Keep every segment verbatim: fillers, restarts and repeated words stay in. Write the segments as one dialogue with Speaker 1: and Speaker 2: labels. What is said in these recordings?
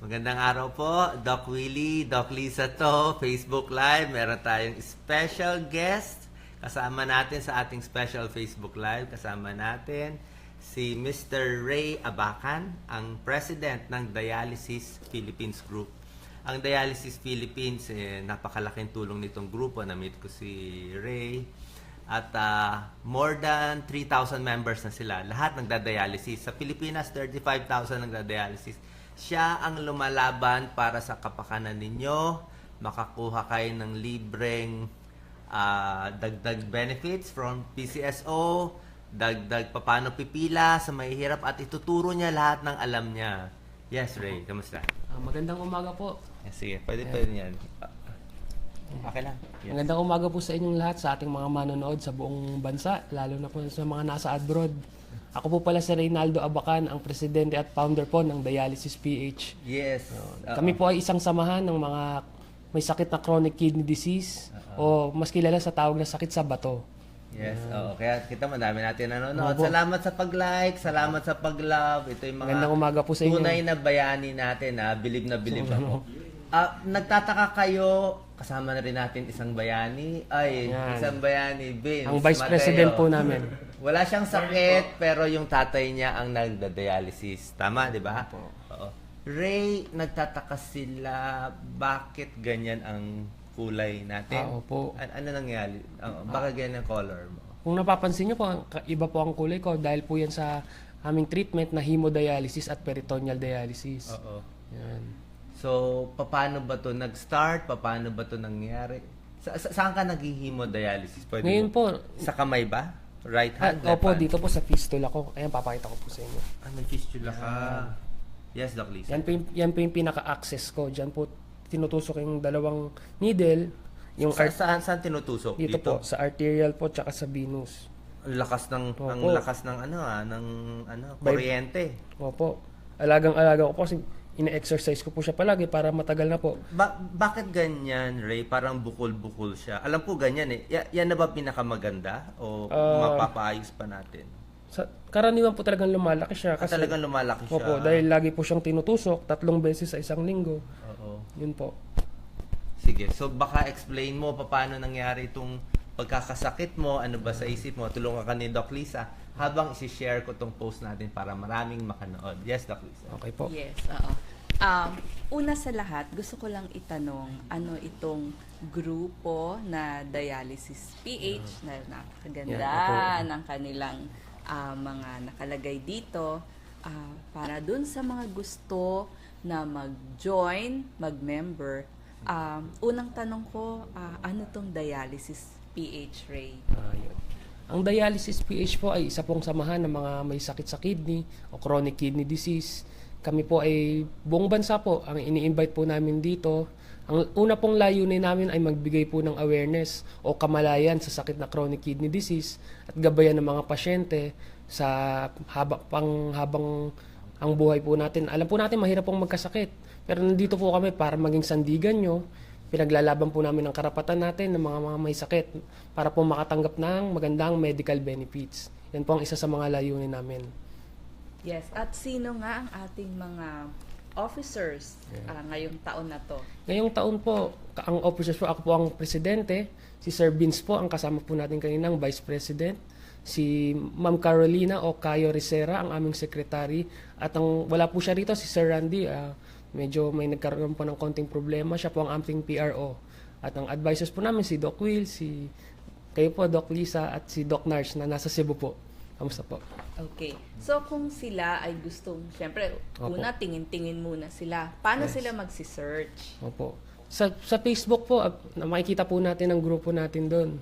Speaker 1: Magandang araw po, Doc Willie, Doc Lisa to, Facebook Live. Meron tayong special guest. Kasama natin sa ating special Facebook Live, kasama natin si Mister Ray Abacan, ang President ng Dialysis Philippines Group. Ang Dialysis Philippines, eh, napakalaking tulong nitong grupo. Na-meet ko si Ray. At uh, more than three thousand members na sila. Lahat nagda-dialysis. Sa Pilipinas, thirty-five thousand nagda-dialysis. Siya ang lumalaban para sa kapakanan ninyo. Makakuha kayo ng libreng uh, dagdag benefits from P C S O, dagdag papano pipila sa mahihirap, at ituturo niya lahat ng alam niya. Yes, Ray. Kamusta?
Speaker 2: Uh, magandang umaga po.
Speaker 1: Yes, sige. Pwede pwede yan. Okay lang. Yes.
Speaker 2: Magandang umaga po sa inyong lahat, sa ating mga manonood sa buong bansa, lalo na po sa mga nasa abroad. Ako po pala si Reynaldo Abacan, ang presidente at founder po ng Dialysis P H.
Speaker 1: Yes.
Speaker 2: Uh, Kami po ay isang samahan ng mga may sakit na chronic kidney disease, uh-oh, o mas kilala sa tawag na sakit sa bato.
Speaker 1: Yes, oo. Kaya kita madami natin nanonood. Salamat sa pag-like, salamat sa pag-love. Ito yung mga
Speaker 2: Magandang umaga po sa inyo.
Speaker 1: tunay na bayani natin, ha. Bilib na bilib ako. Ah, nagtataka kayo, kasama na rin natin isang bayani. Ay,
Speaker 2: Yan.
Speaker 1: isang bayani, Vince
Speaker 2: Ang vice
Speaker 1: Mateo.
Speaker 2: president po namin.
Speaker 1: Wala siyang sakit, pero yung tatay niya ang nagda-dialysis. Tama, di ba? Oo. Ray, nagtataka sila, bakit ganyan ang kulay natin?
Speaker 2: Ah, opo.
Speaker 1: An- ano nangyari? Oh, bakit ganyan ang color mo?
Speaker 2: Kung napapansin nyo po, ang- iba po ang kulay ko dahil po yan sa aming treatment na hemodialysis at peritoneal dialysis.
Speaker 1: Oo.
Speaker 2: Yan.
Speaker 1: So, paano ba to nag-start? Paano ba to nangyari? Sa, sa saan ka nag-hemodialysis? Pwede
Speaker 2: Ngayon
Speaker 1: mo-
Speaker 2: po,
Speaker 1: Sa kamay ba? Right
Speaker 2: ah,
Speaker 1: hand? left
Speaker 2: opo,
Speaker 1: hand?
Speaker 2: dito po sa fistula ko. Ayan, papakita ko po sa inyo.
Speaker 1: Ah, may fistula ka. Yes, Doc Lisa.
Speaker 2: Yan po yung, yan po yung pinaka-access ko. Diyan po tinutusok yung dalawang needle. Yung
Speaker 1: Sa,
Speaker 2: art-
Speaker 1: saan, saan tinutusok?
Speaker 2: dito, po, sa arterial po, tsaka sa venous.
Speaker 1: Ang lakas ng
Speaker 2: Opo.
Speaker 1: ang lakas ng ano ah, ng ano, kuryente.
Speaker 2: Opo. Alagang-alaga ko po kasi ine-exercise ko po siya palagi para matagal na po.
Speaker 1: Ba- bakit ganyan, Ray? Parang bukol-bukol siya. Alam ko ganyan eh. Ya- yan na ba pinakamaganda o
Speaker 2: Ah,
Speaker 1: mapapaayos pa natin?
Speaker 2: Sa, karaniwan po talagang lumalaki siya.
Speaker 1: Ah,
Speaker 2: Kasi,
Speaker 1: talagang lumalaki siya.
Speaker 2: Opo, dahil lagi po siyang tinutusok, tatlong beses sa isang linggo.
Speaker 1: Oo.
Speaker 2: Yun po.
Speaker 1: Sige, so baka explain mo pa paano nangyari itong pagkakasakit mo, ano ba sa isip mo, tulungan ka ni Doc Lisa habang isi-share ko tong post natin para maraming makanood. Yes, Doc Lisa.
Speaker 2: Okay po.
Speaker 3: Yes, oo. Um, una sa lahat, gusto ko lang itanong, ano itong grupo na Dialysis P H na napakaganda
Speaker 2: Yeah,
Speaker 3: ng kanilang ah, mga nakalagay dito ah, para dun sa mga gusto na mag-join, mag-member. Um, unang tanong ko, ah, ano tong Dialysis P H, Ray?
Speaker 2: Ayun. Ang dialysis P H po ay isa pong samahan ng mga may sakit sa kidney o chronic kidney disease. Kami po ay buong bansa po ang ini-invite po namin dito. Ang una pong layunin namin ay magbigay po ng awareness o kamalayan sa sakit na chronic kidney disease at gabayan ng mga pasyente sa haba, pang habang ang buhay po natin. Alam po natin mahirap pong magkasakit. Pero nandito po kami para maging sandigan nyo. Pinaglalaban po namin ang karapatan natin ng mga, mga may sakit para po makatanggap ng magandang medical benefits. Yan po ang isa sa mga layunin namin.
Speaker 3: Yes, at sino nga ang ating mga officers ah, ngayong taon na to?
Speaker 2: Ngayong taon po, ka- ang officers po, ako po ang presidente, si Sir Vince po, ang kasama po natin kaninang vice president, si Ma'am Carolina o Cayo Ricera, ang aming secretary, at ang wala po siya rito, si Sir Randy, ah, medyo may nagkaroon po ng konting problema, siya po ang aming P R O. At ang advisors po namin, si Doc Will, si kayo po, Doc Lisa, at si Doc Nars na nasa Cebu po. Kamusta po?
Speaker 3: Okay. So, kung sila ay gustong, syempre,
Speaker 2: Opo.
Speaker 3: una, tingin-tingin muna sila. Paano
Speaker 2: Yes.
Speaker 3: sila magsi-search?
Speaker 2: Opo. Sa, sa Facebook po, ah, na makikita po natin ang grupo natin doon.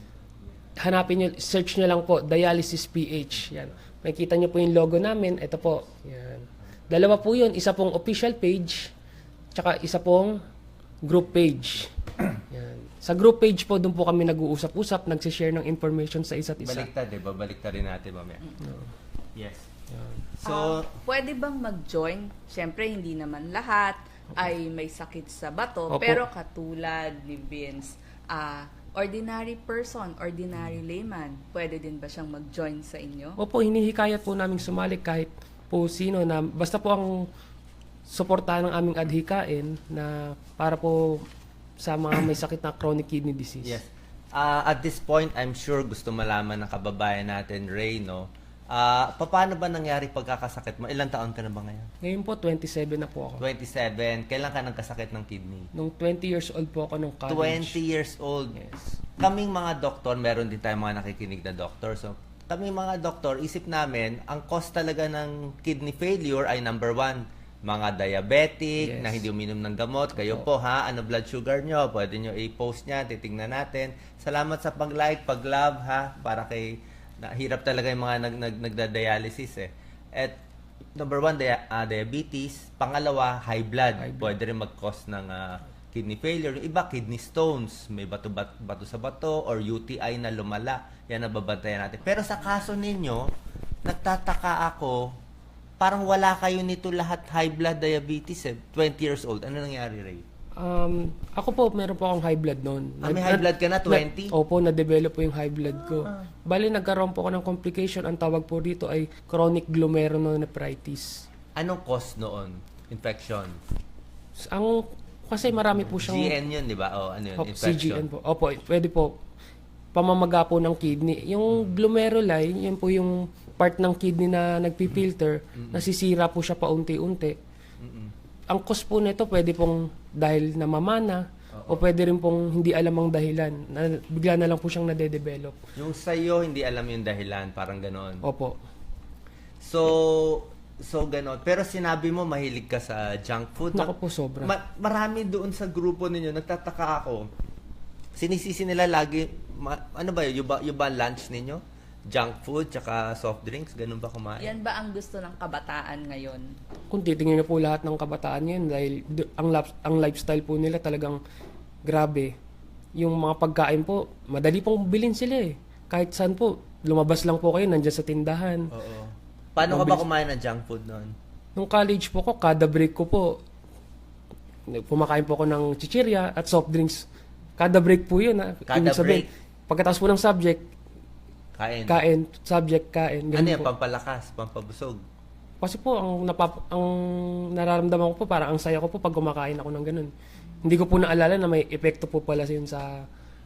Speaker 2: Hanapin nyo, search nyo lang po, Dialysis P H. Yan. Makikita nyo po yung logo namin. Ito po. Yan. Dalawa po yun. Isa pong official page, tsaka isa pong group page. Yan. Sa group page po, doon po kami nag-uusap-usap, nagsishare ng information sa isa't isa.
Speaker 1: Baliktad eh, babaliktad rin natin mamaya. Yes.
Speaker 2: Yan.
Speaker 1: So,
Speaker 3: Ah, pwede bang mag-join? Syempre, hindi naman lahat ay may sakit sa bato.
Speaker 2: Opo.
Speaker 3: Pero katulad ni Vince, ah, ordinary person, ordinary layman, pwede din ba siyang mag-join sa inyo?
Speaker 2: Opo, hinihikayat po namin sumali kahit po sino na basta po ang suportahan ng aming adhikain na para po sa mga may sakit na chronic kidney disease.
Speaker 1: Yes. Ah, at this point, I'm sure gusto malaman ng kababayan natin, Ray, no? Ah, paano ba nangyari pagkakasakit mo? Ilang taon ka na ba ngayon?
Speaker 2: Ngayon po, twenty-seven na po ako.
Speaker 1: twenty-seven. Kailan ka nagkasakit ng kidney?
Speaker 2: Nung twenty years old po ako nung college.
Speaker 1: twenty years old.
Speaker 2: Yes.
Speaker 1: Kaming mga doktor, meron din tayong mga nakikinig na doktor. So, kaming mga doktor, isip namin, ang cause talaga ng kidney failure ay number one, mga diabetic,
Speaker 2: Yes.
Speaker 1: na hindi uminom ng gamot. Kayo po ha, ano blood sugar nyo, pwede nyo i-post niya, titingnan natin. Salamat sa pag-like, pag-love ha, para kay, nahirap talaga yung mga nag, nag, nagda-dialysis eh. At number one, dia- ah, diabetes. Pangalawa, high blood.
Speaker 2: High blood.
Speaker 1: Pwede rin mag-cause ng ah, kidney failure. Yung iba, kidney stones. May bato, bat- bato sa bato or U T I na lumala. Yan ang babantayan natin. Pero sa kaso ninyo, nagtataka ako, parang wala kayo nito lahat high blood diabetes eh. twenty years old. Ano nangyari, Ray?
Speaker 2: Um, ako po, meron po akong high blood noon.
Speaker 1: Ah, may high blood ka na, twenty?
Speaker 2: Na, opo, na-develop po yung high blood ko. Bali, nagkaroon po ako ng complication. Ang tawag po dito ay chronic glomerulonephritis.
Speaker 1: Anong cause noon? Infection?
Speaker 2: Ang, kasi marami po siyang...
Speaker 1: G N yun, di ba? O, ano yun?
Speaker 2: Opo,
Speaker 1: Infection.
Speaker 2: C G N po. Opo, pwede po. Pamamaga po ng kidney. Yung glomeruli, yun po yung part ng kidney na nagpipilter, nasisira po siya paunti-unti.
Speaker 1: Mm-mm.
Speaker 2: Ang cause po nito pwede pong dahil namamana o pwede rin pong hindi alam ang dahilan. Na, bigla na lang po siyang nade-develop.
Speaker 1: Yung sa'yo, hindi alam yung dahilan. Parang ganon.
Speaker 2: Opo.
Speaker 1: So, so ganon. Pero sinabi mo, mahilig ka sa junk food.
Speaker 2: Naku po, sobra.
Speaker 1: Ma- marami doon sa grupo ninyo, nagtataka ako. Sinisisi nila lagi, ma- ano ba yun? Yung ba, yung ba lunch ninyo? Junk food, tsaka soft drinks? Ganun ba kumain?
Speaker 3: Yan ba ang gusto ng kabataan ngayon?
Speaker 2: Kung titingnan niyo po lahat ng kabataan ngayon dahil d- ang, lap- ang lifestyle po nila talagang grabe. Yung mga pagkain po, madali pong bilhin sila eh. Kahit saan po, lumabas lang po kayo, nandiyan sa tindahan.
Speaker 1: Oo. Paano ka ba kumain ng junk food noon?
Speaker 2: Nung college po ko, kada break ko po, pumakain po ako ng chichirya at soft drinks. Kada break po yun. Ha?
Speaker 1: Kada
Speaker 2: Ibig sabihin, pagkatapos po ng subject,
Speaker 1: Kain.
Speaker 2: kain, subject, kain.
Speaker 1: Ano
Speaker 2: Ganun
Speaker 1: yan?
Speaker 2: po.
Speaker 1: Pampalakas, pampabusog.
Speaker 2: Kasi po, ang, napap- ang nararamdaman ko po, parang ang saya ko po pag kumakain ako ng ganun. Hindi ko po naalala na may epekto po pala yun sa...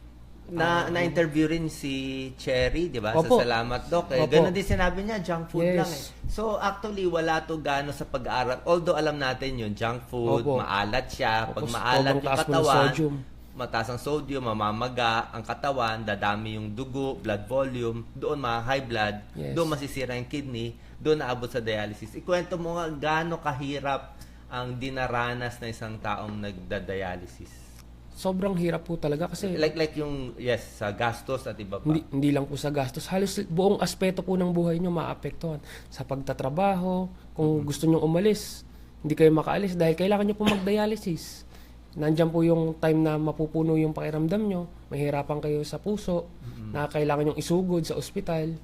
Speaker 1: Na na-interview rin si Cherry, 'di ba? Sa
Speaker 2: Opo.
Speaker 1: Salamat Doc. Eh,
Speaker 2: Opo.
Speaker 1: ganun din sinabi niya, junk food
Speaker 2: Yes.
Speaker 1: lang eh. So actually wala to gaano sa pag-aaral. Although alam natin 'yung junk food,
Speaker 2: Opo.
Speaker 1: maalat siya. Pag
Speaker 2: Opo,
Speaker 1: maalat
Speaker 2: sobrang
Speaker 1: yung
Speaker 2: taas po ng
Speaker 1: katawan,
Speaker 2: sodium.
Speaker 1: mataas ang sodium, mamamaga ang katawan, dadami yung dugo, blood volume, doon mga high blood,
Speaker 2: Yes.
Speaker 1: doon masisira yung kidney, doon naabot sa dialysis. Ikwento mo nga gaano kahirap ang dinaranas na isang taong nagda-dialysis.
Speaker 2: Sobrang hirap po talaga kasi
Speaker 1: Like like yung yes, sa gastos at iba pa.
Speaker 2: hindi, hindi lang po sa gastos. Halos buong aspeto po ng buhay nyo maapektuhan. Sa pagtatrabaho, kung gusto nyo umalis, hindi kayo makaalis dahil kailangan nyo po mag-dialysis. Nandiyan po yung time na mapupuno yung pakiramdam nyo, mahirapan kayo sa puso, na kailangan yung isugod sa ospital,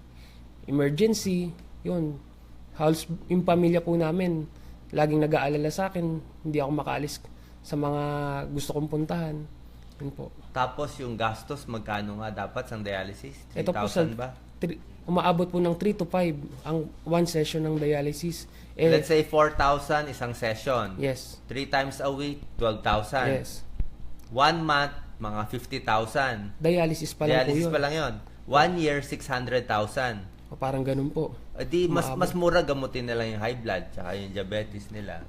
Speaker 2: emergency, yun. Halos yung pamilya po namin, laging nag-aalala sa akin, hindi ako makaalis sa mga gusto kong puntahan. Yun po.
Speaker 1: Tapos yung gastos, magkano nga dapat sa dialysis? three
Speaker 2: Ito po sa
Speaker 1: thousand ba?
Speaker 2: tri- umaabot po ng three to five ang one session ng dialysis. Eh,
Speaker 1: Let's say four thousand isang session.
Speaker 2: yes.
Speaker 1: three times a week, twelve thousand.
Speaker 2: Yes.
Speaker 1: One month, mga fifty thousand.
Speaker 2: Dialysis pa lang
Speaker 1: Dialysis
Speaker 2: po yun.
Speaker 1: pa lang yun. One year, six hundred thousand.
Speaker 2: O, parang ganun po.
Speaker 1: Di, mas,
Speaker 2: Umaabot.
Speaker 1: mas mura gamutin nila yung high blood tsaka yung diabetes nila.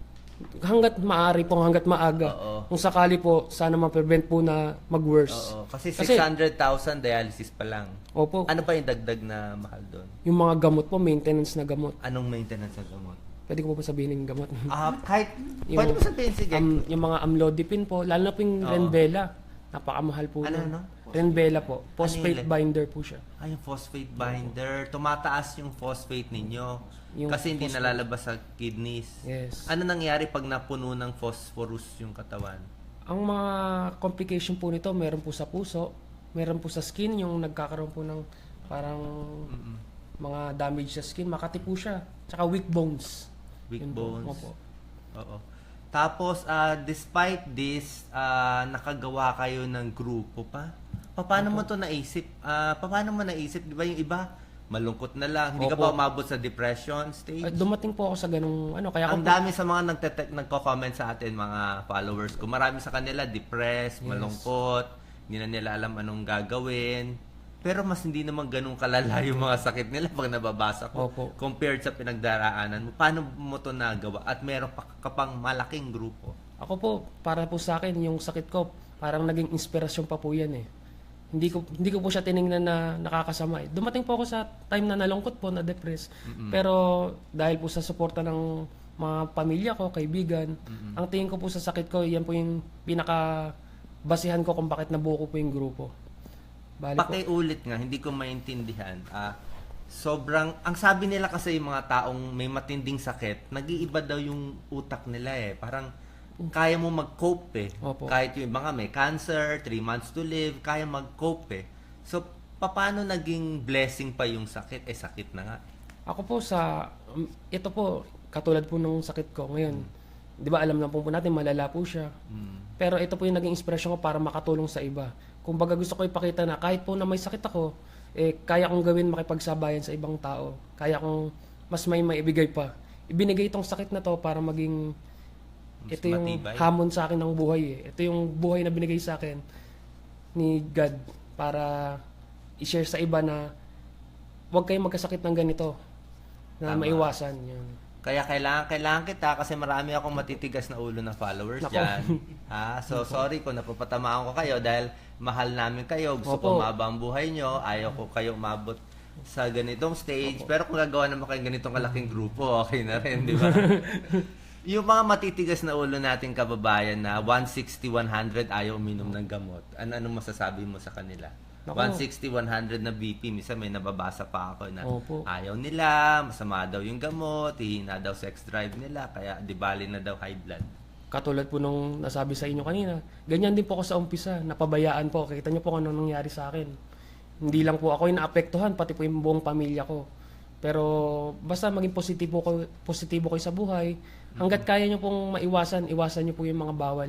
Speaker 2: Hanggat maaari po, hanggat maaga.
Speaker 1: Oo.
Speaker 2: Kung sakali po, sana ma-prevent po na mag-worse.
Speaker 1: Oo. Kasi
Speaker 2: Kasi-
Speaker 1: six hundred thousand dialysis pa lang.
Speaker 2: Opo.
Speaker 1: Ano pa yung dagdag na mahal doon?
Speaker 2: Yung mga gamot po, maintenance na gamot.
Speaker 1: Anong maintenance ng gamot?
Speaker 2: Pwede ko po ba sabihin yung gamot?
Speaker 1: Ah, kahit,
Speaker 2: Yung-
Speaker 1: pwede mo sabihin, sige.
Speaker 2: Um, yung mga amlodipine po, lalo na po yung
Speaker 1: Oo.
Speaker 2: Renvela. Napakamahal po.
Speaker 1: Ano,
Speaker 2: nun.
Speaker 1: ano?
Speaker 2: Renvela po. Phosphate
Speaker 1: yun?
Speaker 2: binder po siya.
Speaker 1: Ay, yung phosphate binder. Tumataas yung phosphate ninyo.
Speaker 2: Yung
Speaker 1: kasi hindi
Speaker 2: phosphate.
Speaker 1: nalalabas sa kidneys.
Speaker 2: Yes.
Speaker 1: Ano nangyari pag napuno ng phosphorus yung katawan?
Speaker 2: Ang mga complication po nito, meron po sa puso, meron po sa skin, yung nagkakaroon po ng parang
Speaker 1: Mm-mm.
Speaker 2: mga damage sa skin, makati po siya. Tsaka weak bones.
Speaker 1: Weak
Speaker 2: Yun po.
Speaker 1: bones.
Speaker 2: Opo.
Speaker 1: Oo. Tapos, ah, despite this, ah, nakagawa kayo ng grupo pa. Pa- Paano mo to naisip? Ah, pa- paano mo naisip? Di ba yung iba, malungkot na lang. Hindi ka
Speaker 2: Opo.
Speaker 1: ba umabot sa depression stage?
Speaker 2: At dumating po ako sa ganung ano, kaya ako
Speaker 1: Ang
Speaker 2: po,
Speaker 1: dami sa mga nagte- nagko-comment sa atin, mga followers ko. Marami sa kanila depressed, malungkot, hindi na nila alam anong gagawin. Pero mas hindi naman ganun kalala yung mga sakit nila pag nababasa ko.
Speaker 2: Opo.
Speaker 1: Compared sa pinagdaraanan mo. Paano mo ito nagawa? At meron pa ka pang malaking grupo.
Speaker 2: ako po, para po sa akin, yung sakit ko, parang naging inspirasyon pa po yan eh. Hindi ko hindi ko po siya tiningnan na nakakasama eh. Dumating po ako sa time na nalungkot po, na depressed. Pero dahil po sa suporta ng mga pamilya ko, kaibigan, ang tingin ko po sa sakit ko, yan po yung pinaka basihan ko kung bakit nabuo ko po yung grupo. Bali po.
Speaker 1: Pakiulit nga, hindi ko maintindihan. Ah, sobrang, ang sabi nila kasi yung mga taong may matinding sakit, nag-iiba daw yung utak nila eh. Parang kaya mo mag-cope eh.
Speaker 2: Opo.
Speaker 1: Kahit yung mga may cancer, three months to live, kaya mag-cope eh. So, paano naging blessing pa yung sakit? Eh, sakit na nga.
Speaker 2: Ako po sa, um, ito po, katulad po ng sakit ko ngayon, di ba alam na po po natin, malala po siya.
Speaker 1: Mm.
Speaker 2: Pero ito po yung naging inspirasyon ko para makatulong sa iba. Kung baga gusto ko ipakita na kahit po na may sakit ako, eh, kaya kong gawin makipagsabayan sa ibang tao. Kaya kong mas may maibigay pa. Ibinigay itong sakit na to para maging,
Speaker 1: Mas
Speaker 2: ito yung
Speaker 1: matibay.
Speaker 2: hamon sa akin ng buhay eh. Ito yung buhay na binigay sa akin ni God para i-share sa iba na huwag kayong magkasakit ng ganito na
Speaker 1: Tama.
Speaker 2: maiwasan yun.
Speaker 1: Kaya kailangan, kailangan kita kasi marami akong matitigas na ulo na followers
Speaker 2: Nako.
Speaker 1: dyan. Ha? So, sorry kung napapatamaan ko kayo dahil mahal namin kayo. Gusto
Speaker 2: Opo.
Speaker 1: ko umaba ang buhay nyo. Ayaw ko kayo umabot sa ganitong stage. Pero kung gagawa naman kayo ganitong kalaking grupo, okay na rin, di ba? Yung mga matitigas na ulo nating kababayan na one sixty, one hundred ayaw uminom ng gamot. Ano anong masasabi mo sa kanila?
Speaker 2: Nako.
Speaker 1: one sixty, one hundred na B P, minsan may nababasa pa ako na
Speaker 2: Opo.
Speaker 1: ayaw nila, masama daw yung gamot, hihina daw sex drive nila, kaya di bali na daw high blood.
Speaker 2: Katulad po nung nasabi sa inyo kanina, ganyan din po ako sa umpisa, napabayaan po. Kita niyo po kung anong nangyari sa akin. Hindi lang po ako yung naapektuhan, pati po yung buong pamilya ko. Pero basta maging positibo ko, positibo kayo sa buhay. Hanggat kaya niyo pong maiwasan, iwasan niyo po yung mga bawal.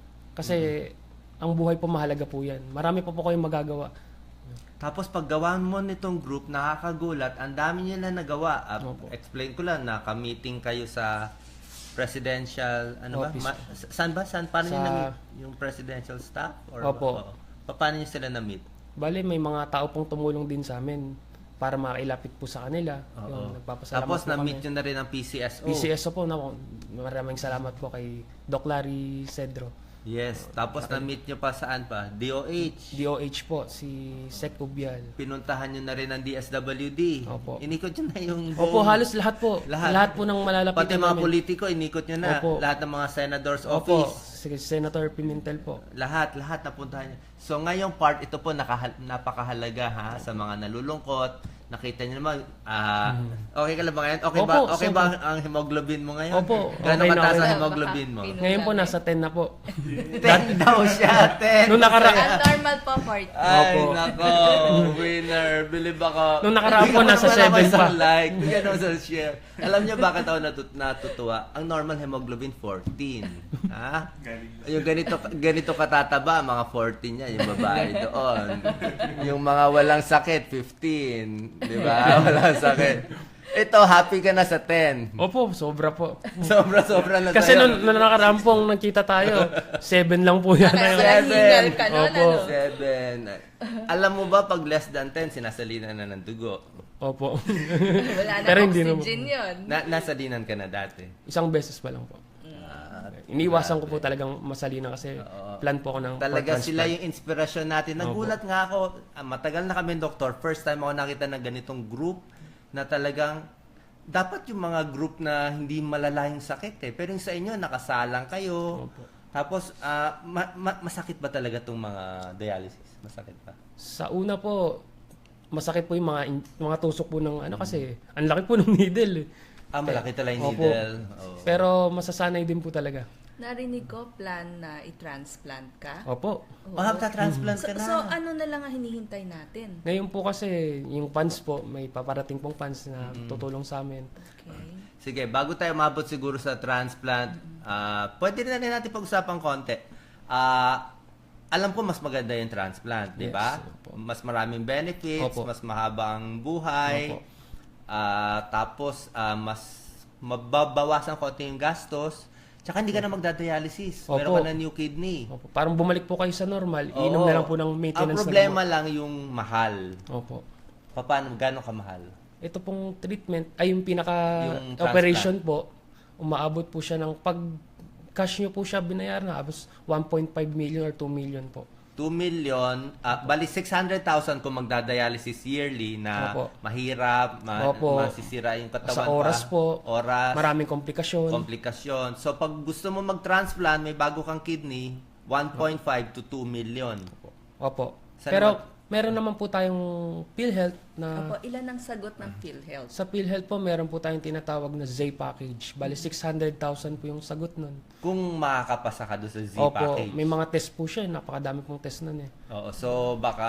Speaker 2: Kasi ang buhay po mahalaga po yan. Marami pa po kayong magagawa.
Speaker 1: Tapos paggawa mo nitong group, nakakagulat, ang dami nila nagawa. Ah,
Speaker 2: Opo.
Speaker 1: explain ko lang, naka-meeting kayo sa presidential, ano
Speaker 2: Office.
Speaker 1: ba? Ma- sa- saan ba? Saan? Paano
Speaker 2: Sa-
Speaker 1: nyo na-meet? Yung presidential staff? Or
Speaker 2: Opo.
Speaker 1: Oo. Pa- Paano nyo sila na-meet?
Speaker 2: Bale, may mga tao pong tumulong din sa amin para makailapit po sa kanila.
Speaker 1: Oo.
Speaker 2: Yung nagpapasalamat
Speaker 1: Tapos
Speaker 2: po
Speaker 1: na-meet
Speaker 2: kami.
Speaker 1: nyo na rin ang P C S O.
Speaker 2: P C S O po, na, maraming salamat po kay Doc Larry Cedro.
Speaker 1: Yes. Tapos na-meet nyo pa saan pa? D O H.
Speaker 2: D O H po, si Sec Ubial.
Speaker 1: Pinuntahan nyo na rin ang D S W D.
Speaker 2: Opo.
Speaker 1: Inikot nyo na yung
Speaker 2: Opo,
Speaker 1: buong-
Speaker 2: halos lahat po.
Speaker 1: Lahat.
Speaker 2: Lahat, po ng malalapitan
Speaker 1: Pati mga
Speaker 2: namin.
Speaker 1: politiko, inikot nyo na.
Speaker 2: Opo.
Speaker 1: Lahat ng mga senators
Speaker 2: Opo,
Speaker 1: office.
Speaker 2: si Senator Pimentel po.
Speaker 1: Lahat, lahat napuntahan niyo. So ngayong part, ito po nakahal- napakahalaga ha sa mga nalulungkot. Nakita niyo naman, ah, okay ka lang ba ngayon? Okay ba,
Speaker 2: Opo,
Speaker 1: okay ba
Speaker 2: sobra.
Speaker 1: ang hemoglobin mo ngayon?
Speaker 2: Opo,
Speaker 1: Gano'ng
Speaker 2: okay na,
Speaker 1: kataas
Speaker 2: okay
Speaker 1: ang
Speaker 3: na.
Speaker 1: hemoglobin mo?
Speaker 3: Baka-
Speaker 2: Ngayon po, nasa ten na po.
Speaker 1: ten daw siya, ten.
Speaker 2: Nung nakara-
Speaker 3: Ang normal po, forty.
Speaker 1: Ay,
Speaker 2: Opo.
Speaker 1: nako, winner. Believe ako.
Speaker 2: Nung nakaraan po,
Speaker 1: Bigyan mo
Speaker 2: nasa
Speaker 1: naman ako
Speaker 2: seven
Speaker 1: isang
Speaker 2: pa.
Speaker 1: like. Bigyan mo sa share. Alam niyo bakit ako natut natutuwa? Ang normal hemoglobin, fourteen. Ha? Yung ganito, ganito katataba, mga fourteen niya, yung babae doon. Yung mga walang sakit, fifteen. Di ba? Walang sakit. Ito, happy ka na sa ten.
Speaker 2: Opo, sobra po.
Speaker 1: Sobra-sobra na
Speaker 2: Kasi
Speaker 1: sa'yo.
Speaker 2: nung, nung nakaraan pong nagkita tayo, seven lang po yan.
Speaker 3: Kaya
Speaker 1: Seven.
Speaker 3: nahingal ka nun,
Speaker 2: Opo.
Speaker 3: ano?
Speaker 1: Seven. Alam mo ba, pag less than ten, sinasalina na ng dugo.
Speaker 2: Opo.
Speaker 3: Wala na
Speaker 2: Pero hindi
Speaker 3: oxygen yun.
Speaker 1: Na, nasalinan ka na dati.
Speaker 2: Isang beses pa lang po.
Speaker 1: Ah,
Speaker 2: Iniwasan ko po talagang masalina kasi
Speaker 1: Oo.
Speaker 2: plan po ako ng
Speaker 1: Talaga
Speaker 2: for
Speaker 1: sila
Speaker 2: transplant.
Speaker 1: yung inspirasyon natin. Nagulat nga ako, ah, matagal na kami doktor. First time ako nakita ng ganitong group na talagang dapat yung mga group na hindi malala yung sakit eh. Pero yung sa inyo, nakasalang kayo.
Speaker 2: Opo.
Speaker 1: Tapos, ah, ma- ma- masakit ba talaga itong mga dialysis? Masakit ba?
Speaker 2: Sa una po, masakit po yung mga in- mga tusok po ng ano kasi ang laki po ng needle eh.
Speaker 1: Ah, malaki talaga yung
Speaker 2: Opo.
Speaker 1: needle. Oo.
Speaker 2: Pero masasanay din po talaga.
Speaker 3: Narinig ko, plan na i-transplant ka.
Speaker 2: Opo.
Speaker 3: Oo.
Speaker 1: Ah, transplant
Speaker 3: So,
Speaker 1: ka na.
Speaker 3: so, ano na lang ang hinihintay natin?
Speaker 2: Ngayon po kasi yung funds po, may paparating pong funds na tutulong sa amin.
Speaker 3: Okay.
Speaker 1: Sige, bago tayo mabot siguro sa transplant, ah, pwede na rin natin pag-usapan konti. Ah, alam ko mas maganda yung transplant, di
Speaker 2: Yes,
Speaker 1: ba?
Speaker 2: opo.
Speaker 1: Mas maraming benefits,
Speaker 2: Opo.
Speaker 1: mas mahaba ang buhay.
Speaker 2: Opo.
Speaker 1: Ah, tapos ah, mas mababawasan konti yung gastos. Tsaka hindi ka na magdadialysis.
Speaker 2: Opo.
Speaker 1: Meron ka na new kidney.
Speaker 2: Opo. Parang bumalik po kayo sa normal, inom
Speaker 1: Oo.
Speaker 2: na lang po ng maintenance
Speaker 1: Ang problema
Speaker 2: na
Speaker 1: lang yung mahal.
Speaker 2: gamot. Opo.
Speaker 1: Paano, gano'ng kamahal?
Speaker 2: Ito pong treatment ay yung pinaka
Speaker 1: Yung
Speaker 2: operation po, umaabot po siya ng pag cash nyo po siya binayaran na abos one point five million or two million po.
Speaker 1: two million, ah, bali six hundred thousand kung magdadialysis yearly na
Speaker 2: Opo.
Speaker 1: mahirap, ma-
Speaker 2: Opo.
Speaker 1: masisira yung katawan
Speaker 2: Sa oras
Speaker 1: pa.
Speaker 2: po,
Speaker 1: Oras,
Speaker 2: maraming komplikasyon.
Speaker 1: komplikasyon. So pag gusto mo mag-transplant, may bago kang kidney, one point five to two million.
Speaker 2: Opo.
Speaker 1: Saan
Speaker 2: Pero
Speaker 1: naman-
Speaker 2: meron naman po tayong PhilHealth na
Speaker 3: Opo, ilan ang sagot ng PhilHealth?
Speaker 2: sa PhilHealth po meron po tayong tinatawag na Z package. Bali six hundred thousand po yung sagot nun.
Speaker 1: Kung makakapasa ka doon sa Z
Speaker 2: Opo,
Speaker 1: package.
Speaker 2: may mga test po siya, napakadami pong test nun eh.
Speaker 1: Oo, so baka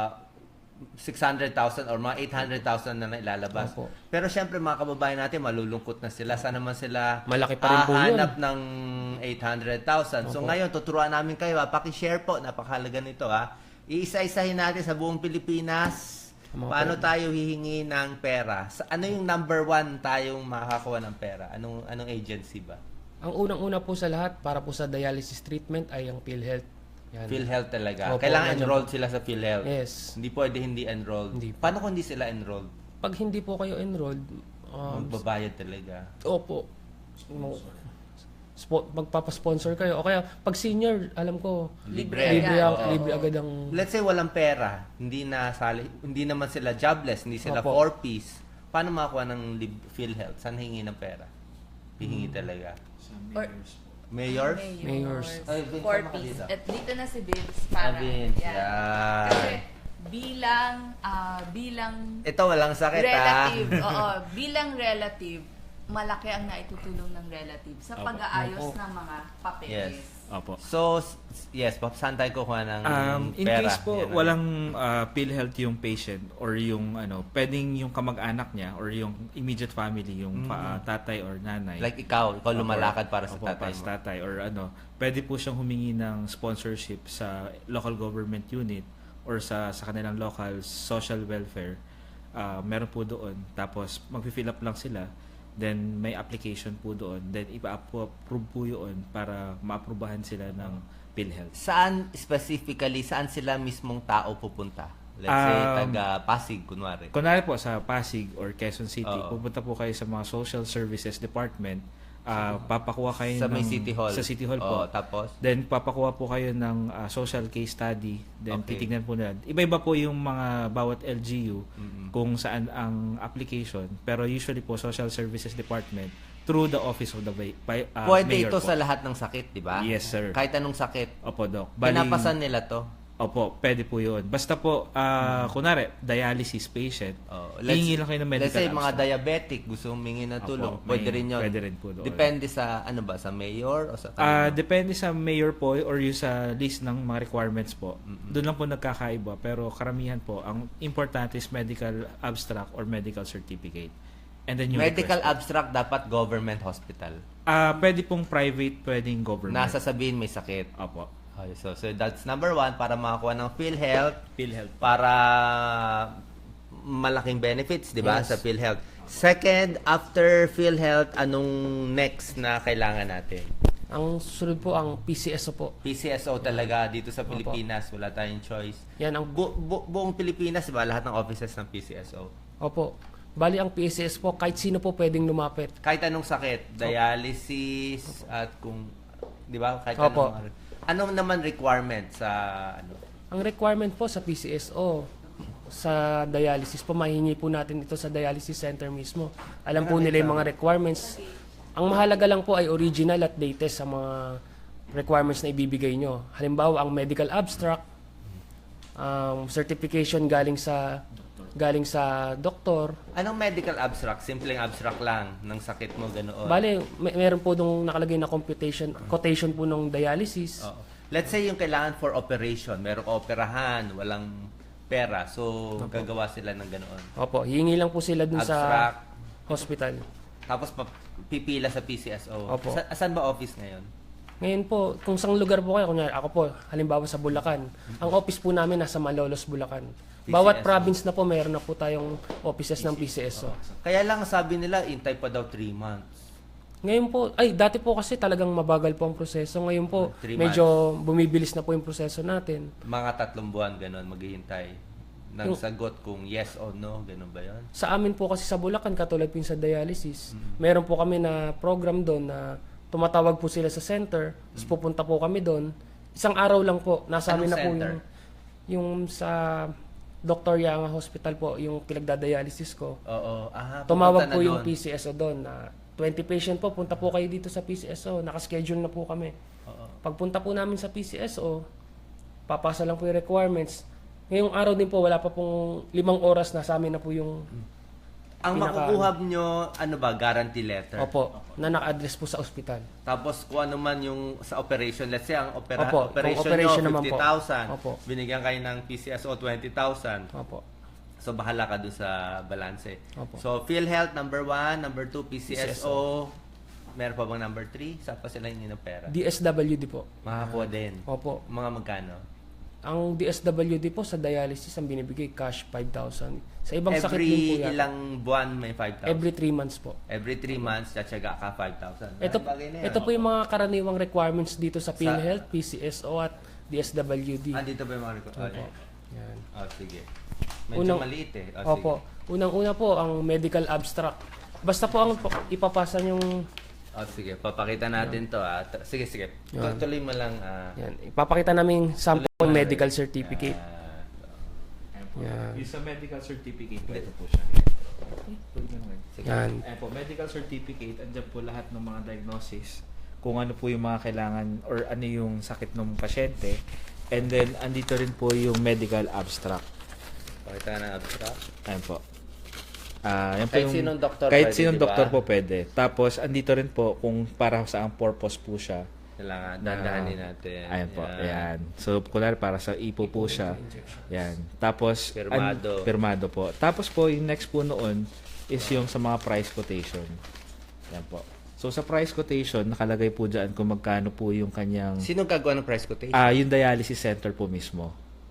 Speaker 1: six hundred thousand or mga eight hundred thousand na nailalabas.
Speaker 2: Opo.
Speaker 1: Pero syempre mga kababayan natin, malulungkot na sila. Sana naman sila
Speaker 2: Malaki pa rin po yun.
Speaker 1: hahanap ng eight hundred thousand. So
Speaker 2: Opo.
Speaker 1: ngayon, tuturuan namin kayo. Ha? Paki-share po. Napakahalaga nito. Ha? Iisa-isahin natin sa buong Pilipinas.
Speaker 2: Mga
Speaker 1: Paano tayo hihingi ng pera? Sa, ano yung number one tayong makakakuha ng pera? Anong, anong agency ba?
Speaker 2: Ang unang-una po sa lahat para po sa dialysis treatment ay ang PhilHealth. Yan.
Speaker 1: PhilHealth talaga.
Speaker 2: Opo,
Speaker 1: Kailangan
Speaker 2: nandiyan
Speaker 1: enrolled
Speaker 2: po.
Speaker 1: sila sa PhilHealth.
Speaker 2: Yes.
Speaker 1: Hindi pwede hindi enrolled.
Speaker 2: Hindi po.
Speaker 1: Paano kung hindi sila enrolled?
Speaker 2: Pag hindi po kayo enrolled, um,
Speaker 1: Magbabayad talaga.
Speaker 2: opo, mo- spo- magpapasponsor kayo. O kaya, pag senior, alam ko,
Speaker 3: Libre
Speaker 2: libre,
Speaker 3: agad.
Speaker 2: ang,
Speaker 1: Oo.
Speaker 2: libre agad ang...
Speaker 1: Let's say walang pera, hindi na sali, hindi naman sila jobless, hindi sila
Speaker 2: Opo.
Speaker 1: four-piece. Paano makakuha ng lib- PhilHealth? Saan hingi ng pera? Hihingi
Speaker 2: Hmm.
Speaker 1: talaga.
Speaker 3: Or,
Speaker 1: Mayors?
Speaker 2: Mayors.
Speaker 1: Ay, Vince,
Speaker 3: Four
Speaker 1: sama ka
Speaker 3: piece.
Speaker 1: dito.
Speaker 3: At dito na si Vince
Speaker 1: Ah,
Speaker 3: para.
Speaker 1: Vince,
Speaker 3: yan.
Speaker 1: yan.
Speaker 3: Kasi bilang, ah, bilang
Speaker 1: Ito, walang sakit
Speaker 3: relative,
Speaker 1: ha?
Speaker 3: oo, bilang relative, malaki ang naitutulong ng relative sa
Speaker 4: Opo.
Speaker 3: pag-aayos
Speaker 2: Opo.
Speaker 3: ng mga papeles.
Speaker 1: Yes.
Speaker 4: Opo.
Speaker 1: So, s- yes, pa- saan tayo kukuha ng
Speaker 4: Um, in
Speaker 1: pera?
Speaker 4: case po
Speaker 1: Yan ang-
Speaker 4: walang uh, PhilHealth yung patient or yung ano, pwedeng yung kamag-anak niya or yung immediate family, yung pa- uh, tatay or nanay.
Speaker 1: Like ikaw, ikaw
Speaker 4: Opo,
Speaker 1: lumalakad para sa
Speaker 4: opo,
Speaker 1: tatay
Speaker 4: para
Speaker 1: mo.
Speaker 4: sa tatay or ano, pwede po siyang humingi ng sponsorship sa local government unit or sa sa kanilang local social welfare. Uh, meron po doon. Tapos mag-fill up lang sila. Then may application po doon. Then ipa-approve po yun para maaprubahan sila ng PhilHealth.
Speaker 1: Saan specifically, saan sila mismong tao pupunta? Let's say,
Speaker 4: Um,
Speaker 1: taga Pasig, kunwari.
Speaker 4: Kunwari po sa Pasig or Quezon City,
Speaker 1: Oo.
Speaker 4: pupunta po kayo sa mga social services department. Ah, papakuha kayo
Speaker 1: Sa
Speaker 4: ng
Speaker 1: may City Hall.
Speaker 4: Sa City Hall
Speaker 1: Oo,
Speaker 4: po.
Speaker 1: tapos?
Speaker 4: Then papakuha po kayo ng ah, social case study. Then
Speaker 1: Okay.
Speaker 4: titignan po nila. Iba-iba po yung mga bawat L G U
Speaker 1: Mm-mm.
Speaker 4: kung saan ang application. Pero usually po social services department through the office of the ba- by, ah,
Speaker 1: Pwede
Speaker 4: mayor
Speaker 1: ito
Speaker 4: po.
Speaker 1: sa lahat ng sakit, di ba?
Speaker 4: Yes, sir.
Speaker 1: Kahit anong sakit.
Speaker 4: Opo, Doc.
Speaker 1: Pinapasan nila to.
Speaker 4: Opo, pwede po yun. Basta po, ah, kunwari, dialysis patient,
Speaker 1: Oh,
Speaker 4: hihingi lang kayo ng medical
Speaker 1: let's say, mga
Speaker 4: abstract.
Speaker 1: diabetic, gusto humingi ng
Speaker 4: Opo,
Speaker 1: tulong.
Speaker 4: may-
Speaker 1: Pwede rin yun.
Speaker 4: pwede rin po doon.
Speaker 1: Depende sa, ano ba, sa mayor o sa kanino?
Speaker 4: Ah, depende sa mayor po or yung sa list ng mga requirements po. Doon lang po nagkakaiba pero karamihan po ang importante is medical abstract or medical certificate. And then yung
Speaker 1: Medical
Speaker 4: request po.
Speaker 1: abstract dapat government hospital.
Speaker 4: Ah, pwede pong private, pwedeng government.
Speaker 1: Nasa sabihin may sakit.
Speaker 4: Opo.
Speaker 1: Okay, so, so that's number one, para makakuha ng PhilHealth,
Speaker 4: PhilHealth.
Speaker 1: para malaking benefits, di ba,
Speaker 2: Yes.
Speaker 1: sa PhilHealth. Second, after PhilHealth, anong next na kailangan natin?
Speaker 2: Ang susunod po ang P C S O po.
Speaker 1: P C S O talaga dito sa Pilipinas, wala tayong choice.
Speaker 2: Yan ang
Speaker 1: Bu- bu- buong Pilipinas, di ba, lahat ng offices ng P C S O.
Speaker 2: Opo. Bali ang P C S po kahit sino po pwedeng lumapit.
Speaker 1: Kahit anong sakit, dialysis, at kung, di ba, kahit
Speaker 2: Opo.
Speaker 1: anong, ano naman requirement sa, ano,
Speaker 2: Ang requirement po sa P C S O sa dialysis po, mahingi po natin ito sa dialysis center mismo. Alam po nila yung mga requirements. Ang mahalaga lang po ay original at latest sa mga requirements na ibibigay nyo. Halimbawa, ang medical abstract, um, certification galing sa galing sa doktor.
Speaker 1: anong medical abstract? Simpleng abstract lang ng sakit mo, ganoon.
Speaker 2: Bale, may, meron po nung nakalagay na computation, quotation po ng dialysis.
Speaker 1: Oo. Let's say yung kailangan for operation, meron ka operahan, walang pera, so gagawa sila ng ganoon.
Speaker 2: Opo, hihingi lang po sila dun
Speaker 1: Abstract.
Speaker 2: sa hospital.
Speaker 1: Tapos pa- pipila sa P C S O.
Speaker 2: Opo.
Speaker 1: Sa, saan ba office ngayon?
Speaker 2: Ngayon po, kung saan lugar po kayo, kunyari ako po, halimbawa sa Bulacan, ang office po namin nasa Malolos, Bulacan. Bawat
Speaker 1: P C S O.
Speaker 2: province na po, mayroon na po tayong offices ng P C S O.
Speaker 1: Kaya lang sabi nila, intay pa daw three months.
Speaker 2: Ngayon po, ay dati po kasi talagang mabagal po ang proseso. Ngayon po,
Speaker 1: Three
Speaker 2: medyo bumibilis na po yung proseso natin.
Speaker 1: Mga tatlong buwan, ganun, maghihintay ng
Speaker 2: Yung-
Speaker 1: sagot kung yes or no, ganun ba yun?
Speaker 2: Sa amin po kasi sa Bulacan, katulad po yung sa dialysis,
Speaker 1: Mm-hmm.
Speaker 2: meron po kami na program doon na tumatawag po sila sa center, tapos
Speaker 1: Mm-hmm.
Speaker 2: pupunta po kami doon. Isang araw lang po, nasa amin
Speaker 1: Anong
Speaker 2: na po
Speaker 1: center?
Speaker 2: yung, yung sa Doctor Yanga Hospital po, yung pinagdadialysis ko.
Speaker 1: Oo. Ah,
Speaker 2: Tumawag
Speaker 1: pupunta
Speaker 2: po
Speaker 1: na
Speaker 2: yung
Speaker 1: doon.
Speaker 2: P C S O doon na twenty patient po, punta po kayo dito sa P C S O. Nakaschedule na po kami.
Speaker 1: Oo.
Speaker 2: Pagpunta po namin sa P C S O, papasa lang po yung requirements. Ngayong araw din po, wala pa pong limang oras na sa amin na po yung
Speaker 1: Ang
Speaker 2: pinaka-
Speaker 1: makukuha nyo, ano ba, guarantee letter?
Speaker 2: opo, na naka-address po sa ospital.
Speaker 1: Tapos kung ano man yung sa operation, let's say ang opera,
Speaker 2: Opo,
Speaker 1: operation,
Speaker 2: kung operation
Speaker 1: nyo,
Speaker 2: naman po.
Speaker 1: fifty thousand.
Speaker 2: Opo.
Speaker 1: Binigyan kayo ng P C S O twenty thousand.
Speaker 2: Opo.
Speaker 1: So bahala ka dun sa balanse.
Speaker 2: Opo.
Speaker 1: So PhilHealth number one, number two P C S O. Meron pa bang number three? Saan pa sila hindi ng pera?
Speaker 2: D S W D po.
Speaker 1: Makakuha din.
Speaker 2: Opo.
Speaker 1: Mga magkano?
Speaker 2: Ang D S W D po sa dialysis ang binibigay cash five thousand. Sa ibang sakit din po
Speaker 1: Every
Speaker 2: yan.
Speaker 1: ilang buwan may five thousand?
Speaker 2: Every three months po.
Speaker 1: Every three months, tsatsaga ka five thousand.
Speaker 2: Ito,
Speaker 1: Bagay na yan.
Speaker 2: ito po yung mga karaniwang requirements dito sa PhilHealth, P C S O at D S W D.
Speaker 1: Ah, dito ba yung mga record?
Speaker 2: Opo. Yan.
Speaker 1: Oh, sige. Medyo
Speaker 2: Unang-
Speaker 1: maliit eh. Oh,
Speaker 2: Opo. Unang-una po ang medical abstract. Basta po ang po- ipapasa yung
Speaker 1: Oh, sige. Papakita natin to ah. T- Sige, sige.
Speaker 2: Yan.
Speaker 1: Tuloy mo lang ah.
Speaker 2: yan, ipapakita namin sample
Speaker 1: Tuloy mo lang.
Speaker 2: medical certificate.
Speaker 1: Ah,
Speaker 4: Ayan po.
Speaker 2: Yan.
Speaker 4: Yung sa medical certificate, ito po siya.
Speaker 1: sige.
Speaker 2: Yan.
Speaker 4: Ayan po, medical certificate, andyan po lahat ng mga diagnosis, kung ano po yung mga kailangan or ano yung sakit ng pasyente. And then, andito rin po yung medical abstract.
Speaker 1: Pakita ka ng abstract.
Speaker 4: Ayan po. Ah, yan po
Speaker 1: Kahit
Speaker 4: yung-
Speaker 1: sinong doktor
Speaker 4: Kahit
Speaker 1: pwede,
Speaker 4: sinong
Speaker 1: di ba?
Speaker 4: doktor po pwede. Tapos, andito rin po kung para sa ang purpose po siya.
Speaker 1: Kailangan,
Speaker 4: na-
Speaker 1: dandahanin natin.
Speaker 4: Ayan po, ayan. So, kunwari para sa ipo po siya. Yan. Tapos,
Speaker 1: Pirmado.
Speaker 4: an- pirmado po. Tapos po, yung next po noon is yung sa mga price quotation. Yan po. So, sa price quotation, nakalagay po dyan kung magkano po yung kanyang...
Speaker 1: Sino gagawa ng price quotation?
Speaker 4: Ah, yung dialysis center po mismo.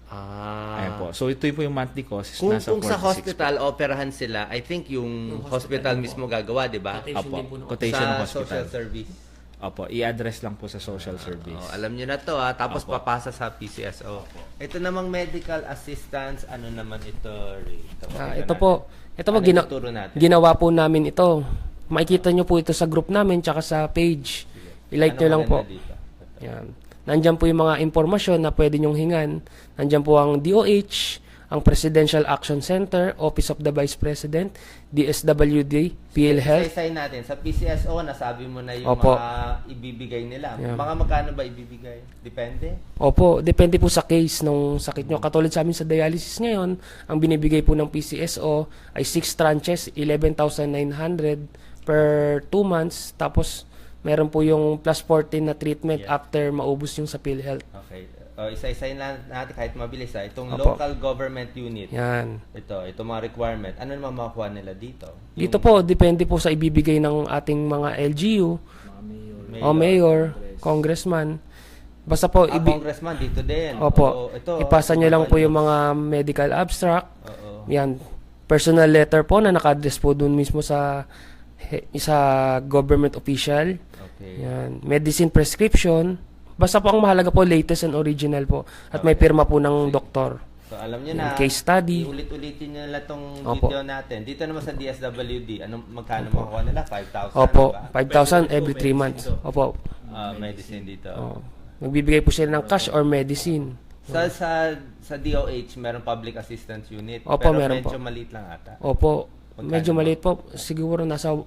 Speaker 1: Ah.
Speaker 4: Ayan po. So, ito yung po yung monthly cost. is
Speaker 1: Kung,
Speaker 4: nasa
Speaker 1: kung sa
Speaker 4: forty-six
Speaker 1: hospital, operahan sila, I think yung,
Speaker 2: Yung
Speaker 1: hospital,
Speaker 2: hospital
Speaker 1: mismo gagawa, di ba?
Speaker 2: Quotation
Speaker 4: Opo.
Speaker 2: din po ng-
Speaker 4: Quotation ng
Speaker 1: Sa
Speaker 4: hospital.
Speaker 1: social service.
Speaker 4: Opo. I-address lang po sa social service.
Speaker 1: Oh, alam nyo na to ha. Tapos
Speaker 4: Opo.
Speaker 1: papasa sa P C S O. Ito namang medical assistance, ano naman ito? Ray? Ito,
Speaker 2: Ah,
Speaker 1: pakita
Speaker 2: ito
Speaker 1: natin.
Speaker 2: po, ito po
Speaker 1: Ano
Speaker 2: gina-
Speaker 1: ituturo natin?
Speaker 2: ginawa po namin ito. Makikita nyo po ito sa group namin tsaka sa page. I-like
Speaker 1: Ano
Speaker 2: nyo lang po.
Speaker 1: maganda dito?
Speaker 2: Yan. Nandyan po yung mga impormasyon na pwede nyong hingan. Nandyan po ang D O H, ang Presidential Action Center, Office of the Vice President, D S W D, PhilHealth.
Speaker 1: Isa-isay natin. Sa P C S O, nasabi mo na yung
Speaker 2: Opo.
Speaker 1: mga ibibigay nila.
Speaker 2: Yeah.
Speaker 1: Mga magkano ba ibibigay? Depende?
Speaker 2: Opo, depende po sa case nung sakit nyo. Katulad sa amin sa dialysis ngayon, ang binibigay po ng P C S O ay six tranches, eleven thousand nine hundred per two months. Tapos, meron po yung plus fourteen na treatment
Speaker 1: Yeah.
Speaker 2: after maubos yung sa PhilHealth.
Speaker 1: Okay. O, isa-isay na natin kahit mabilis ha. Itong
Speaker 2: Opo.
Speaker 1: local government unit.
Speaker 2: Yan.
Speaker 1: Ito, ito mga requirement. Ano naman makukuha nila dito?
Speaker 2: Dito po, depende po sa ibibigay ng ating mga L G U,
Speaker 4: Mga mayor.
Speaker 1: Mayor.
Speaker 2: o mayor, congressman. Basta po,
Speaker 1: Ah,
Speaker 2: ibi-
Speaker 1: congressman dito din.
Speaker 2: Opo,
Speaker 1: Oo, ito,
Speaker 2: ipasa nyo lang po
Speaker 1: yun.
Speaker 2: yung mga medical abstract.
Speaker 1: Oo.
Speaker 2: Yan, personal letter po na naka-address po dun mismo sa he- sa government official.
Speaker 1: Okay.
Speaker 2: Yan, medicine prescription. Basta po ang mahalaga po, latest and original po. At may pirma po ng doktor.
Speaker 1: So, alam nyo
Speaker 2: Yan,
Speaker 1: na,
Speaker 2: case study.
Speaker 1: ulit-ulitin nyo nila itong
Speaker 2: Opo.
Speaker 1: video natin. Dito naman sa D S W D, anong magkano makukuha nila? five thousand?
Speaker 2: Opo,
Speaker 1: Diba?
Speaker 2: five thousand
Speaker 4: Pwede
Speaker 2: every
Speaker 4: po,
Speaker 2: three
Speaker 4: medicine
Speaker 2: months.
Speaker 4: to.
Speaker 2: Opo.
Speaker 1: Ah, medicine dito.
Speaker 2: Oh. Magbibigay po sila ng cash or medicine.
Speaker 1: Sa sa sa D O H, meron public assistance unit.
Speaker 2: Opo,
Speaker 1: pero
Speaker 2: meron
Speaker 1: medyo
Speaker 2: po.
Speaker 1: maliit lang ata.
Speaker 2: Opo,
Speaker 1: Magkano
Speaker 2: medyo
Speaker 1: ba?
Speaker 2: maliit po. Siguro nasa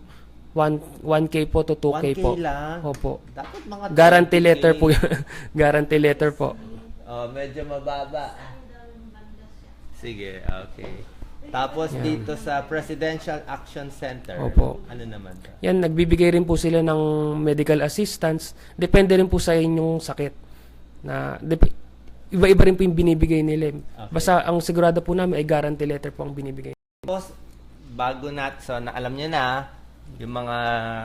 Speaker 2: one K po to two K
Speaker 1: one K
Speaker 2: po.
Speaker 1: lang.
Speaker 2: Opo.
Speaker 1: Dapat mga
Speaker 2: Guarantee
Speaker 1: twenty K.
Speaker 2: letter po yun. Guarantee letter po.
Speaker 1: Oh, medyo mababa. Sige, okay. Tapos dito sa Presidential Action Center,
Speaker 2: Opo.
Speaker 1: ano naman to?
Speaker 2: Yan, nagbibigay rin po sila ng medical assistance. Depende rin po sa inyong sakit. Na, dep- iba-iba rin po yung binibigay nila. Basta ang sigurado po namin ay guarantee letter po ang binibigay.
Speaker 1: Tapos, bago nat, so na, alam nyo na, yung mga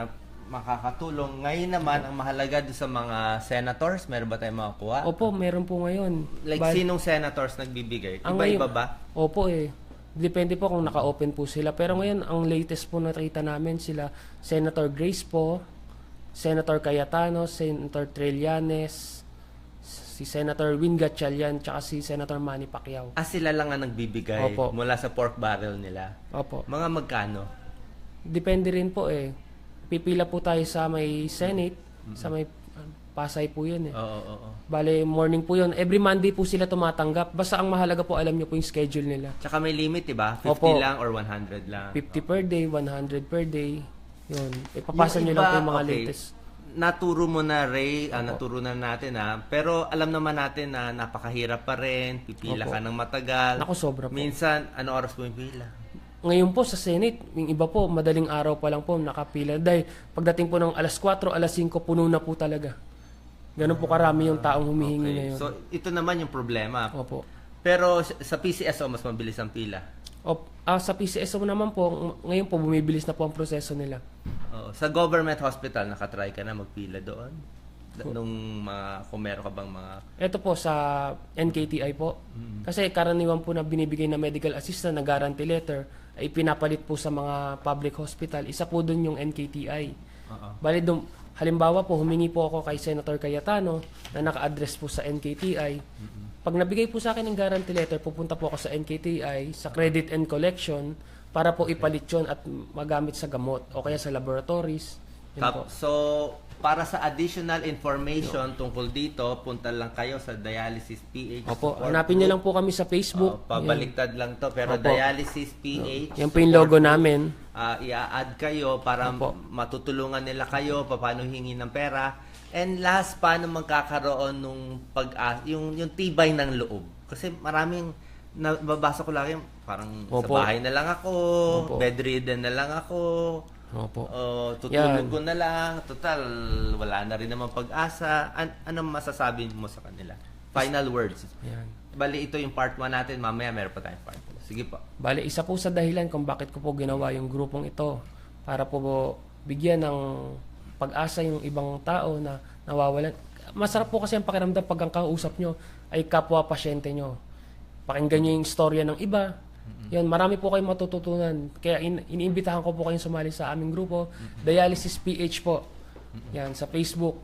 Speaker 1: makakatulong. Ngayon naman, ang mahalaga doon sa mga senators, meron ba tayong makakuha?
Speaker 2: Opo, meron po ngayon.
Speaker 1: Like,
Speaker 2: Ba-
Speaker 1: sinong senators nagbibigay?
Speaker 2: Ang
Speaker 1: Iba-iba
Speaker 2: ngayon-
Speaker 1: ba?
Speaker 2: Opo eh. Depende po kung naka-open po sila. Pero ngayon, ang latest po nakita namin sila, Senator Grace po, Senator Cayetano, Senator Trillanes, si Senator Win Gatchalian, tsaka si Senator Manny Pacquiao.
Speaker 1: Ah, sila lang ang nagbibigay
Speaker 2: Opo.
Speaker 1: mula sa pork barrel nila.
Speaker 2: Opo.
Speaker 1: Mga magkano?
Speaker 2: Depende rin po eh. Pipila po tayo sa may Senate, sa may uh, Pasay po yun eh.
Speaker 1: Oo, oo, oo.
Speaker 2: Bale, morning po yun. Every Monday po sila tumatanggap. Basta ang mahalaga po, alam nyo po yung schedule nila.
Speaker 1: Tsaka may limit, diba? fifty
Speaker 2: Opo.
Speaker 1: lang or one hundred lang.
Speaker 2: fifty per day, one hundred per day. Yun. Ipapasa
Speaker 1: Yung
Speaker 2: nyo lang
Speaker 1: iba,
Speaker 2: po yung mga
Speaker 1: okay,
Speaker 2: latest.
Speaker 1: Naturo mo na, Ray. Ah, naturo na natin, ha? Pero alam naman natin na napakahirap pa rin. Pipila
Speaker 2: Opo.
Speaker 1: ka ng matagal.
Speaker 2: Naku, sobra po.
Speaker 1: Minsan, ano oras mo yung pila?
Speaker 2: Ngayon po sa Senate, yung iba po, madaling araw pa lang po nakapila. Dahil pagdating po ng alas kwatro, alas singko, puno na po talaga. Ganun po karami yung taong humihingi
Speaker 1: Okay.
Speaker 2: ngayon.
Speaker 1: So, ito naman yung problema.
Speaker 2: Opo.
Speaker 1: Pero sa P C S O, mas mabilis ang pila.
Speaker 2: Op, ah, sa P C S O naman po, ng- ngayon po bumibilis na po ang proseso nila.
Speaker 1: Oo. Sa government hospital, nakatry ka na magpila doon? Da- Nung mga, kung meron ka bang mga...
Speaker 2: Ito po sa N K T I po. Kasi karaniwan po na binibigay na medical assistant na guarantee letter ay pinapalit po sa mga public hospital. Isa po doon yung N K T I.
Speaker 1: Oo.
Speaker 2: Bali dum, halimbawa po, humingi po ako kay Senator Cayetano na naka-address po sa N K T I. Pag nabigay po sa akin ng guarantee letter, pupunta po ako sa N K T I, sa credit and collection, para po ipalit yun at magamit sa gamot o kaya sa laboratories. Yun po.
Speaker 1: Tap, so, para sa additional information tungkol dito, punta lang kayo sa Dialysis P H.
Speaker 2: Opo,
Speaker 1: support
Speaker 2: hanapin nyo
Speaker 1: group.
Speaker 2: lang po kami sa Facebook.
Speaker 1: Oo, pabaliktad lang to, pero
Speaker 2: Opo.
Speaker 1: Dialysis P H.
Speaker 2: Yan po yung logo namin.
Speaker 1: Uh, i-add kayo para
Speaker 2: Opo.
Speaker 1: matutulungan nila kayo paano hingi ng pera. And last, paano magkakaroon nung pag yung yung tibay ng loob. Kasi maraming nababasa ko lagi parang
Speaker 2: Opo.
Speaker 1: sa bahay na lang ako,
Speaker 2: Opo.
Speaker 1: bedridden na lang ako.
Speaker 2: Opo.
Speaker 1: Oh, tutulog
Speaker 2: Yan.
Speaker 1: ko na lang. Total, wala na rin naman pag-asa. An- anong masasabi mo sa kanila? Final words.
Speaker 2: Yan.
Speaker 1: Bali, ito yung part one natin. Mamaya meron pa tayong part two. Sige po.
Speaker 2: Bale, isa po sa dahilan kung bakit ko po ginawa yung grupong ito para po bigyan ng pag-asa yung ibang tao na nawawalan. Masarap po kasi ang pakiramdam pag ang kausap nyo ay kapwa-pasyente nyo. Pakinggan nyo yung istorya ng iba. Yan, marami po kayong matututunan. Kaya in- iniimbitahan ko po kayong sumali sa aming grupo, Dialysis P H po. Yan, sa Facebook.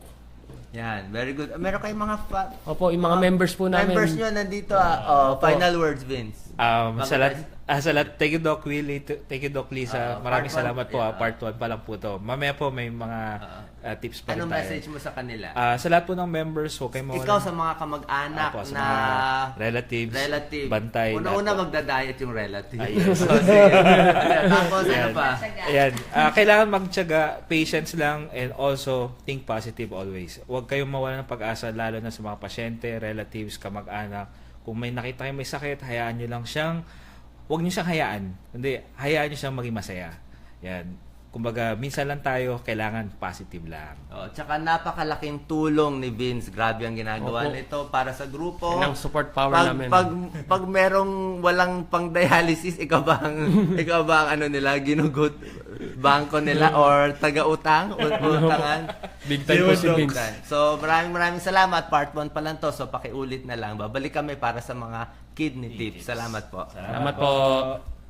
Speaker 1: Yan, very good. Meron kayong mga fa-
Speaker 2: Opo, yung mga members po namin.
Speaker 1: members nyo nandito. Ah. Oh,
Speaker 2: Opo.
Speaker 1: final words, Vince.
Speaker 4: Um,
Speaker 1: Bago
Speaker 4: sa lahat,
Speaker 1: tayo-
Speaker 4: ah, sa lahat, thank you Doc Willie, t- thank you Doc Lisa.
Speaker 1: Ah,
Speaker 4: Maraming
Speaker 1: part one,
Speaker 4: salamat po.
Speaker 1: yeah.
Speaker 4: ah, part one pa lang po to. Mamaya po may mga ah, tips pa rin
Speaker 1: Anong
Speaker 4: tayo.
Speaker 1: message mo sa kanila?
Speaker 4: Ah, sa lahat po ng members, huwag kayong mawalan.
Speaker 1: Ikaw sa mga kamag-anak
Speaker 4: Opo, sa
Speaker 1: na
Speaker 4: mga relatives,
Speaker 1: relative.
Speaker 4: bantay,
Speaker 1: Una-una
Speaker 4: lahat po.
Speaker 1: magda-diet yung relative.
Speaker 4: Ah, yes.
Speaker 1: So, sige. Tapos, ano
Speaker 4: Ayan.
Speaker 1: pa?
Speaker 4: Ayan. Ah, kailangan magtiyaga, patience lang, and also think positive always. Huwag kayong mawalan ng pag-asa, lalo na sa mga pasyente, relatives, kamag-anak. Kung may nakita kayong may sakit, hayaan nyo lang siyang, huwag nyo siyang hayaan. Hindi, hayaan nyo siyang maging masaya. Yan. Kumbaga, minsan lang tayo, kailangan positive lang.
Speaker 1: Oh, tsaka napakalaking tulong ni Vince. Grabe ang ginagawa
Speaker 2: Opo.
Speaker 1: nito para sa grupo.
Speaker 2: Yan ang support power
Speaker 1: pag,
Speaker 2: namin.
Speaker 1: Pag, pag merong walang pang dialysis, ikaw ba ang, ikaw ba ang ano nila, ginugot bangko nila or taga-utang? U- utangan?
Speaker 2: Big time po si
Speaker 1: Ginugot.
Speaker 2: Vince.
Speaker 1: So, maraming maraming salamat. Part one pa lang to. So, pakiulit na lang. Babalik kami para sa mga kidney tips. Salamat po.
Speaker 2: Salamat po.